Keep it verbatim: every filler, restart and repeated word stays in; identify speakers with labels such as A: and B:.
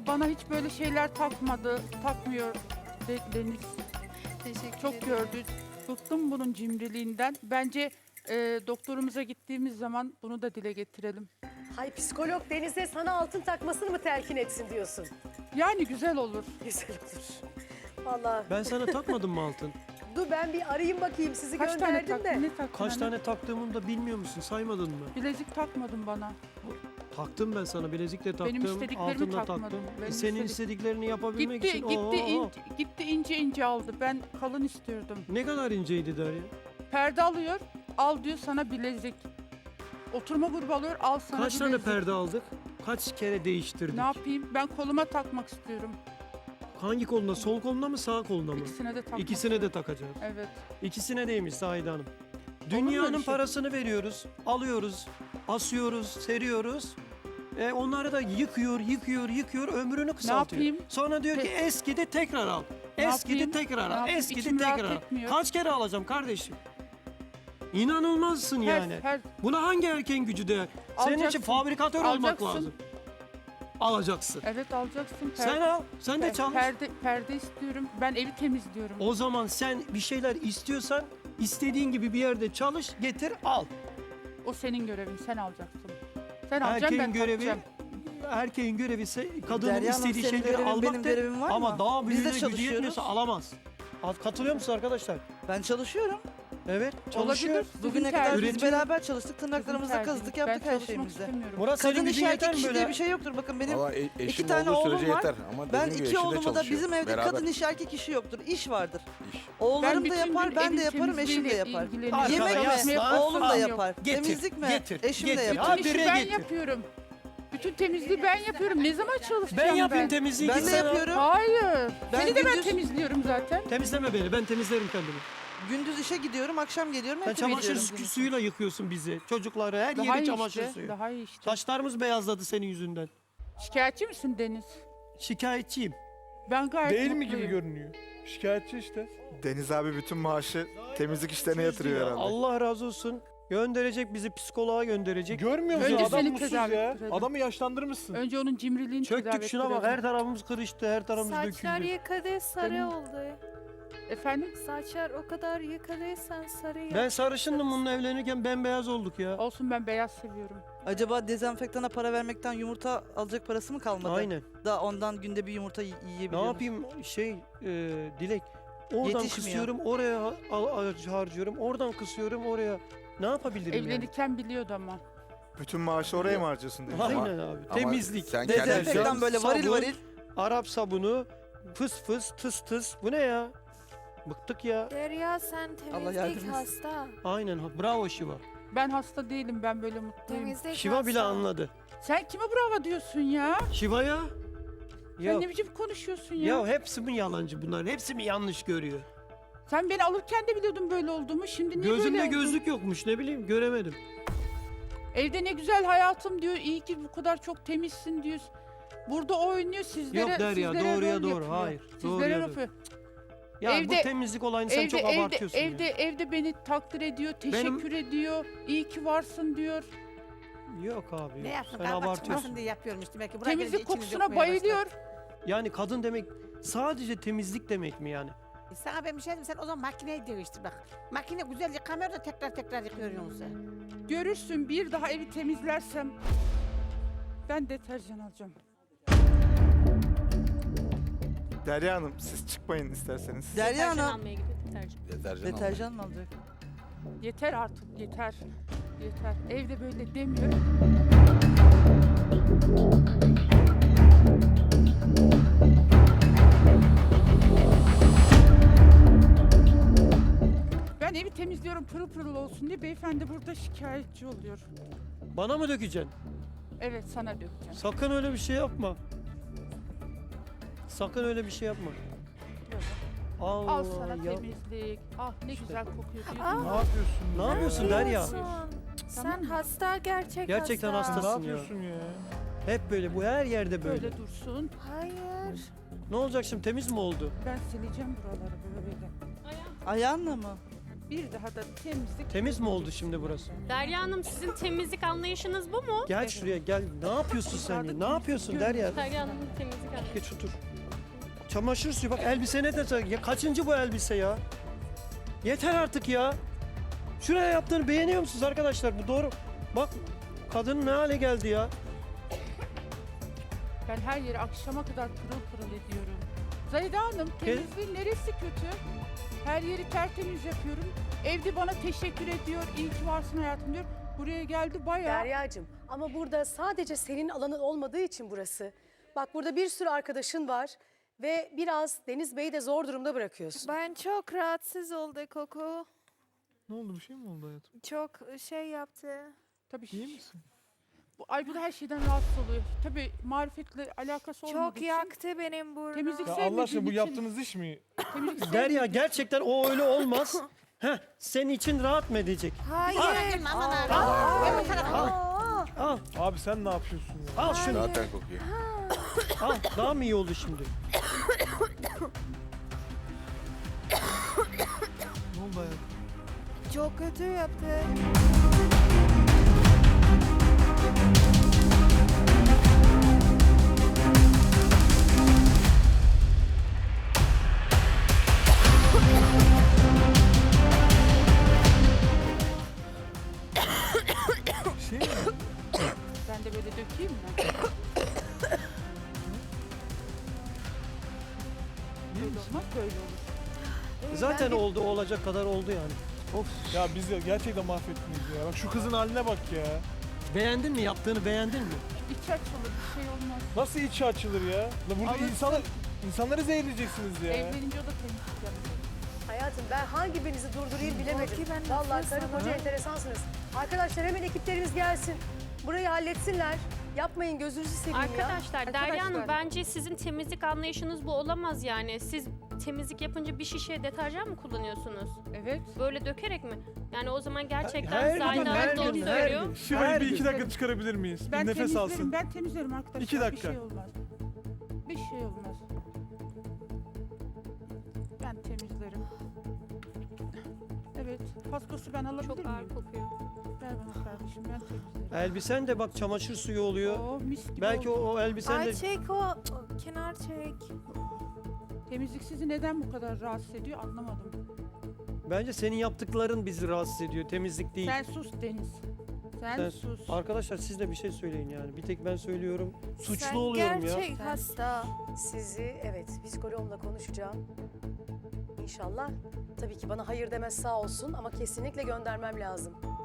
A: bana hiç böyle şeyler takmadı, takmıyor De- Deniz.
B: Teşekkür
A: Çok
B: ederim.
A: gördü. Bıktım bunun cimriliğinden. Bence e, doktorumuza gittiğimiz zaman bunu da dile getirelim.
C: Hay psikolog Deniz'e sana altın takmasını mı telkin etsin diyorsun?
A: Yani güzel olur.
C: Güzel olur. Vallahi
D: Ben sana takmadım mı altın?
C: dur ben bir arayayım bakayım sizi
A: Kaç tane
C: gönderdim
A: taktın?
C: de.
A: Ne taktın?
D: Kaç
A: hani?
D: tane taktığımı da bilmiyor musun? Saymadın mı?
A: Bilezik takmadın bana.
D: Taktım ben sana. Bilezik de taktım.
A: istediklerimi
D: Altın da
A: takmadın.
D: taktım.
A: Benim
D: Senin
A: istedik-
D: istediklerini yapabilmek
A: Gitti,
D: için.
A: gitti,
D: Oo,
A: in- gitti ince ince aldı. Ben kalın istiyordum.
D: Ne kadar inceydi Derya?
A: Perde alıyor, al diyor sana bilezik. Oturma grubu alıyor, al sana
D: Kaç tane
A: bilezik.
D: perde aldık? Kaç kere değiştirdik?
A: Ne yapayım? Ben koluma takmak istiyorum.
D: Hangi koluna? Sol koluna mı sağ koluna mı?
A: İkisine de takmak
D: İkisine de
A: istiyorum.
D: takacağız.
A: Evet.
D: İkisine değmiş Zahide Hanım.
A: mu
D: Dünyanın
A: öyle şey?
D: parasını veriyoruz, alıyoruz, asıyoruz, seriyoruz. E onları da yıkıyor, yıkıyor, yıkıyor, ömrünü kısaltıyor.
A: yapayım?
D: Sonra diyor ki
A: Pe-
D: eskidi tekrar al.
A: Ne
D: Eskidi
A: yapayım?
D: tekrar
A: Ne
D: al.
A: yapayım?
D: Eskidi
A: İçim rahat
D: tekrar al.
A: etmiyor.
D: Kaç kere alacağım kardeşim? İnanılmazsın
A: Her-
D: yani.
A: her-
D: Buna hangi erkeğin gücü değer? Senin için
A: Alacaksın.
D: fabrikatör olmak
A: Alacaksın.
D: lazım. Alacaksın.
A: Evet alacaksın. Per-
D: Sen al, sen de
A: per-
D: çalış.
A: Perde, perde istiyorum. Ben evi temizliyorum.
D: O zaman sen bir şeyler istiyorsan istediğin gibi bir yerde çalış, getir, al.
A: O senin görevin. Sen alacaksın. Sen alacaksın,
D: Erkeğin
A: ben
D: görevi
A: takacağım.
D: erkeğin görevi ise kadının
E: Derya Hanım,
D: istediği
E: senin
D: şeyleri
E: görevin, benim
D: almaktır.
E: görevim var
D: Ama
E: mı?
D: daha
E: Biz de
D: büyüğüne gücü
E: çalışıyoruz.
D: yetmiyorsa alamaz. Al- Katılıyor musunuz arkadaşlar?
E: Ben çalışıyorum.
D: Evet, çalışıyor.
A: Olabilir. Sizin
E: Bugüne kadar
A: tercihiniz.
E: biz
D: Üretiyor.
E: beraber çalıştık, tırnaklarımızı
A: Sizin
E: kazıdık,
A: tercihiniz.
E: yaptık
A: Ben
E: her
A: çalışmak
E: şeyimizi.
A: istemiyorum.
D: Murat senin
E: Kadın iş
D: gücün yeter
E: erkek
D: mi
E: işi
D: böyle?
E: diye bir şey yoktur. Bakın benim
F: Valla e- eşim
E: iki tane
F: olduğu
E: oğlum
F: sürece
E: var.
F: yeter. Ama
E: ben
F: dediğim gibi
E: iki
F: eşim de
E: oğlumu da
F: çalışıyor.
E: bizim evde
F: Beraber
E: kadın iş erkek işi yoktur. İş vardır.
F: iş.
E: Oğullarım da
A: bütün
E: yapar,
A: gün
E: ben de
A: evin
E: yaparım, eşim de
A: temizliğiyle
E: yapar.
A: ilgileniyorum.
D: Arkana
E: Yemek
D: yaslan,
E: mi? Oğlum da
A: al.
E: yapar.
D: Getir,
E: Temizlik mi?
D: getir,
E: Eşim de
D: getir.
E: yapar.
D: Ha,
A: Bütün işi
D: bire
A: ben
D: getir.
A: yapıyorum. Bütün temizliği ben yapıyorum. Ne zaman çalışacağım
D: Ben
A: ben?
D: yapayım temizliği.
E: Ben
D: git
E: de
D: sen al.
E: yapıyorum.
A: Hayır.
E: Ben
A: Seni de ben
E: gündüz-
A: temizliyorum zaten.
D: Temizleme beni, ben temizlerim kendimi.
E: Gündüz işe gidiyorum, akşam geliyorum.
D: Sen
E: hep
D: çamaşır
E: temizliyorum.
D: su- suyuyla yıkıyorsun bizi. Çocukları, her
A: Daha
D: yeri
A: iyi
D: çamaşır
A: işte.
D: suyu.
A: Daha iyi işte.
D: Saçlarımız beyazladı senin yüzünden.
A: Şikayetçi misin Deniz?
D: Şikayetçiyim.
A: Ben gayet
G: Değil mi
A: mutluyum.
G: gibi görünüyor? Şikayetçi işte.
F: Deniz abi bütün maaşı temizlik işlerine yatırıyor herhalde.
D: Allah razı olsun. Gönderecek bizi psikoloğa gönderecek.
G: Görmüyor musun?
A: Önce
G: Adam
A: seni
G: mutsuz
A: tedavi
G: ya.
A: ettirelim.
G: Adamı yaşlandırmışsın.
A: Önce onun cimriliğini tedavi
D: Çöktük şuna bak,
A: ettirelim.
D: her tarafımız kırıştı, her tarafımız
B: Saçlar
D: döküldü.
B: yıkadı sarı
A: Benim-
B: oldu.
A: Efendim?
B: Saçlar o kadar yıkadıysan sarı yap.
D: Ben sarışındım bununla evlenirken bembeyaz olduk ya.
A: Olsun, ben beyaz seviyorum.
E: Acaba dezenfektana para vermekten yumurta alacak parası mı kalmadı?
D: Aynen.
E: Da ondan günde bir yumurta y-
D: Ne
E: yiyebiliyorum.
D: yapayım şey e, Dilek, oradan
E: Yetişmiyor.
D: kısıyorum oraya ha- al- al- harcıyorum, oradan kısıyorum oraya. Ne yapabilirim yani?
A: Evlenirken biliyordu ama.
F: Bütün maaşı oraya mı harcıyorsun Deniz? Ama-
D: Aynen abi.
F: ama
D: Temizlik,
F: sen kendin-
E: Dezenfektan böyle varil
D: sabun,
E: varil.
D: Arap sabunu, fıs fıs, tıs tıs. Bu ne ya? Bıktık ya.
B: Derya sen
E: Allah
B: temizlik
E: yardım etsin.
B: hasta.
D: Aynen. ha- Bravo Şiva.
A: Ben hasta değilim, ben böyle mutluyum.
B: Temizlik
D: Şiva
B: hasta.
D: bile anladı.
A: Sen kime bravo diyorsun ya?
D: Şiva ya. Ya,
A: Sen ne biçim konuşuyorsun ya?
D: ya hepsi mi yalancı bunların? Hepsi mi yanlış görüyor?
A: Sen beni alırken de biliyordun böyle olduğumu. Şimdi niye
D: Gözümde
A: böyle oldun?
D: gözlük yokmuş, ne bileyim, göremedim.
A: Evde ne güzel hayatım diyor. İyi ki bu kadar çok temizsin diyor. Burada oynuyor sizlere.
D: Yok Derya,
A: sizlere
D: doğruya
A: rol
D: doğru,
A: yapıyor.
D: hayır,
A: Sizlere
D: doğruya
A: rol
D: doğru.
A: yapıyor.
D: Ya
A: Evde-
D: bu temizlik olayını sen
A: Evde,
D: çok
A: evde,
D: abartıyorsun
A: evde,
D: ya.
A: evde beni takdir ediyor, teşekkür ediyor. İyi ki varsın diyor.
D: Yok abi,
H: Ne
D: yok.
H: yapsın?
D: Sen
H: Kavga
D: abartıyorsun.
H: çıkmasın diye yapıyormuş demek ki. Buraya gelince
A: Temizlik
H: içini
A: kokusuna
H: dökmeye başladı.
A: bayılıyor.
D: Yani kadın demek sadece temizlik demek mi yani?
H: E Sana ben bir şey diyeyim, sen o zaman makineyi değiştir bak. Makine güzel yıkamıyor da tekrar tekrar yıkıyor yoksa.
A: Görürsün, bir daha evi temizlersem ben deterjan alacağım.
F: Derya Hanım siz çıkmayın isterseniz.
E: Derya Hanım.
F: Deterjan alın.
E: Deterjan mı alacak?
A: Yeter artık, yeter. Yeter. Evde böyle demiyor. Ben evi temizliyorum pırıl pırıl olsun diye, beyefendi burada şikayetçi oluyor.
D: Bana mı dökeceksin?
A: Evet, sana dökeceğim.
D: Sakın öyle bir şey yapma. Sakın öyle bir şey yapma. Allah
A: Al sana
D: ya.
A: temizlik. Ah ne güzel kokuyor.
B: Aa,
A: duydun mu?
G: Ne yapıyorsun?
D: Ne yapıyorsun Derya?
B: Yapıyorsun.
A: Tamam
B: Sen
A: mı?
B: hasta gerçek
D: Gerçekten
B: hasta.
G: Ne
D: hastasın ya.
G: yapıyorsun ya?
D: Hep böyle, bu her yerde böyle.
A: Böyle dursun.
B: Hayır.
D: Ne olacak şimdi, temiz mi oldu?
A: Ben sileceğim buraları böyle.
E: Ayağınla mı?
A: Bir daha da temizlik.
D: Temiz mi oldu şimdi burası?
I: Derya Hanım, sizin temizlik anlayışınız bu mu?
D: Gel şuraya gel. Ne yapıyorsun sen ya? Ne yapıyorsun Derya?
I: Derya Hanım'ın temizlik anlayışı.
D: Geç otur. Çamaşır suyu bak elbisene de ya kaçıncı bu elbise ya? Yeter artık ya. Şuraya yaptığını beğeniyor musunuz arkadaşlar? Bu doğru. Bak kadın ne hale geldi ya.
A: Ben her yeri akşama kadar pırıl pırıl ediyorum. Zahide Hanım, temizliğin neresi kötü? Her yeri tertemiz yapıyorum. Evde bana teşekkür ediyor, iyi ki varsın hayatım diyor. Buraya geldi bayağı.
C: Derya'cığım ama burada sadece senin alanın olmadığı için burası. Bak burada bir sürü arkadaşın var ve biraz Deniz Bey'i de zor durumda bırakıyorsun.
B: Ben çok rahatsız oldum Koko.
G: Ne oldu, bir şey mi oldu hayatım?
B: Çok şey yaptı.
A: Tabii.
G: İyi misin?
A: Bu, ay bu da her şeyden rahatsız oluyor. Tabii marifetle alakası olmadığı
B: Çok
A: için.
B: yaktı benim burnu.
A: Temizlik
G: Ya
A: sevmediğim
G: Allah aşkına bu
A: için-
G: yaptığınız iş mi?
A: Temizlik
D: Derya
A: sevmediğim
D: gerçekten o öyle olmaz. Heh, senin için rahat mı edecek?
B: Hayır.
H: Gelme aman abi. Gel bu tarafa.
D: Al,
G: Abi sen ne yapıyorsun ya?
D: al şunu.
I: Zaten kokuyor.
D: Al, daha mı iyi oldu şimdi?
G: Ne oldu hayatım?
B: Çok kötü yaptı.
G: Bir şey mi?
A: Ben de böyle dökeyim mi? Böyle olmaz, böyle olur.
D: Zaten oldu, olacak kadar oldu yani.
G: Of ya biz ya gerçekten mahvettiniz ya. Bak şu kızın haline bak ya.
D: Beğendin mi? Yaptığını beğendin mi?
A: İç açılır, bir şey olmaz.
G: Nasıl içi açılır ya? La burada
A: Alırsın.
G: insanlar, insanları zehirleyeceksiniz ya.
A: Evlenince o da temizlik yapıyor.
C: Hayatım ben hangi birinizi durdurayım bilemedim.
B: Korki, ben
C: Vallahi
B: nefes
C: karı koca
B: alamam.
C: enteresansınız. Arkadaşlar hemen ekiplerimiz gelsin. Burayı halletsinler. Yapmayın gözünüzü seveyim ya.
J: Arkadaşlar, Derya
A: Arkadaşlar.
J: Hanım bence sizin temizlik anlayışınız bu olamaz yani. Siz temizlik yapınca bir şişe deterjan mı kullanıyorsunuz?
A: Evet.
J: Böyle dökerek mi? Yani o zaman gerçekten
D: Her gün,
J: Zahide
D: her
J: Hanım doğru
D: gün, her
J: söylüyor.
D: gün.
G: Şurayı
D: Her
G: bir iki
D: gün.
G: dakika çıkarabilir miyiz?
A: Ben
G: bir nefes
A: temizlerim,
G: alsın.
A: ben temizlerim arkadaşlar.
G: İki dakika.
A: Bir şey olmaz. Bir şey olmaz. Ben temizlerim. Evet, paskosu ben alabilir
J: Çok ağır
A: miyim?
J: kokuyor.
A: Ver bana kardeşim, ben temizlerim.
D: Elbisen de bak çamaşır suyu oluyor.
A: Oo, mis gibi
D: Belki o,
A: oldu.
D: o elbisen
B: Ay
D: de...
B: çek o. o, Kenar çek.
A: Temizlik sizi neden bu kadar rahatsız ediyor anlamadım.
D: Bence senin yaptıkların bizi rahatsız ediyor. Temizlik değil.
A: Sen sus Deniz. Sen,
D: Sen-
A: sus.
D: Arkadaşlar siz de bir şey söyleyin yani. Bir tek ben söylüyorum. Suçlu
B: Sen
D: oluyorum ya.
B: gerçek hasta.
C: Sizi evet psikoloğumla konuşacağım. İnşallah. Tabii ki bana hayır demez sağ olsun ama kesinlikle göndermem lazım.